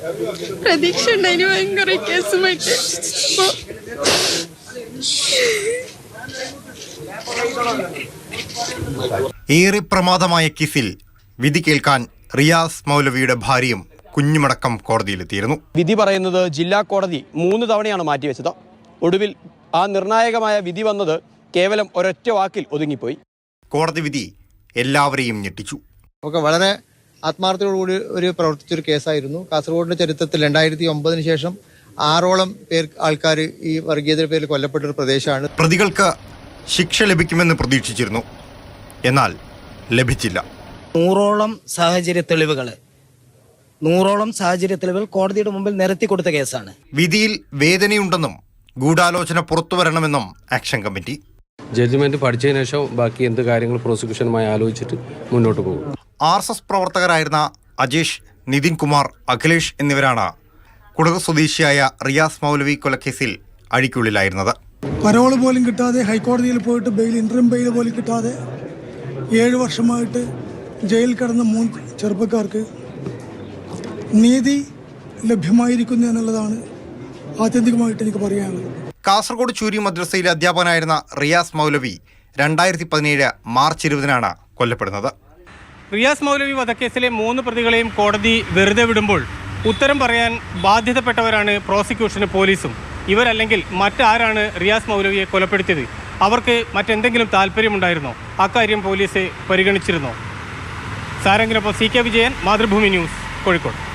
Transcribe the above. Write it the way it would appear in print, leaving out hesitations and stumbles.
പ്രതീക്ഷ ഉണ്ടായിരുന്നു ഭയങ്കര കേസുമായിട്ട്. ഏറെ പ്രമാദമായ കേസിൽ വിധി കേൾക്കാൻ റിയാസ് മൗലവിയുടെ ഭാര്യയും കുഞ്ഞുമടക്കം കോടതിയിലെത്തിയിരുന്നു. വിധി പറയുന്നത് ജില്ലാ കോടതി 3 തവണയാണ് മാറ്റിവെച്ചത്. ഒടുവിൽ ആ നിർണായകമായ വിധി വന്നത് കേവലം ഒരൊറ്റ വാക്കിൽ ഒതുങ്ങിപ്പോയി. കോടതി വിധി എല്ലാവരെയും ഞെട്ടിച്ചു. വളരെ ആത്മാർത്ഥതയോടുകൂടി പ്രവർത്തിച്ചൊരു കേസായിരുന്നു. കാസർഗോഡിന്റെ ചരിത്രത്തിൽ 2009 ശേഷം 6ഓളം ആൾക്കാർ ഈ വർഗീയതയുടെ പേരിൽ കൊല്ലപ്പെട്ടൊരു പ്രദേശമാണ്. പ്രതികൾക്ക് ശിക്ഷ ലഭിക്കുമെന്ന് പ്രതീക്ഷിച്ചിരുന്നു, എന്നാൽ ലഭിച്ചില്ല. 100ഓളം സാഹചര്യ തെളിവുകൾ കോടതിയുടെ മുമ്പിൽ നിരത്തി കൊടുത്ത കേസാണ്. വിധിയിൽ വേദനയുണ്ടെന്നും ഗൂഢാലോചന പുറത്തുവരണമെന്നും ആക്ഷൻ കമ്മിറ്റി. ജഡ്ജ്മെന്റ് പഠിച്ചതിന് ശേഷം ബാക്കി എന്ത് കാര്യങ്ങൾ പ്രോസിക്യൂഷനുമായി ആലോചിച്ചിട്ട് മുന്നോട്ട് പോകും. RSS പ്രവർത്തകരായിരുന്ന അജേഷ്, നിതിൻ കുമാർ, അഖിലേഷ് എന്നിവരാണ് കുടക് സ്വദേശിയായ റിയാസ് മൗലവി കൊലക്കേസിൽ അഴിക്കുള്ളിലായിരുന്നത്. പരോള് പോലും കിട്ടാതെ ഹൈക്കോടതിയിൽ പോയിട്ട് ഇൻട്രീം ബെയിൽ പോലും കിട്ടാതെ 7 വർഷമായിട്ട് ജയിലിൽ കിടന്ന 3 ചെറുപ്പക്കാർക്ക് നീതി ലഭ്യമായിരിക്കുന്നു എന്നുള്ളതാണ് ആത്യന്തികമായിട്ട് എനിക്ക് പറയാനുള്ളത്. കാസർഗോഡ് ചൂരി മദ്രസയിലെ അധ്യാപകനായിരുന്ന റിയാസ് മൗലവി 2017 മാർച്ച് 20-നാണ് കൊല്ലപ്പെടുന്നത്. റിയാസ് മൗലവി വധക്കേസിലെ 3 പ്രതികളെയും കോടതി വെറുതെ വിടുമ്പോൾ ഉത്തരം പറയാൻ ബാധ്യതപ്പെട്ടവരാണ് പ്രോസിക്യൂഷനും പോലീസും. ഇവരല്ലെങ്കിൽ മറ്റാരാണ് റിയാസ് മൗലവിയെ കൊലപ്പെടുത്തിയത്? അവർക്ക് മറ്റെന്തെങ്കിലും താല്പര്യമുണ്ടായിരുന്നോ? അക്കാര്യം പോലീസ് പരിഗണിച്ചിരുന്നോ? സാരംഗിനൊപ്പം CK വിജയൻ, മാതൃഭൂമി ന്യൂസ്, കോഴിക്കോട്.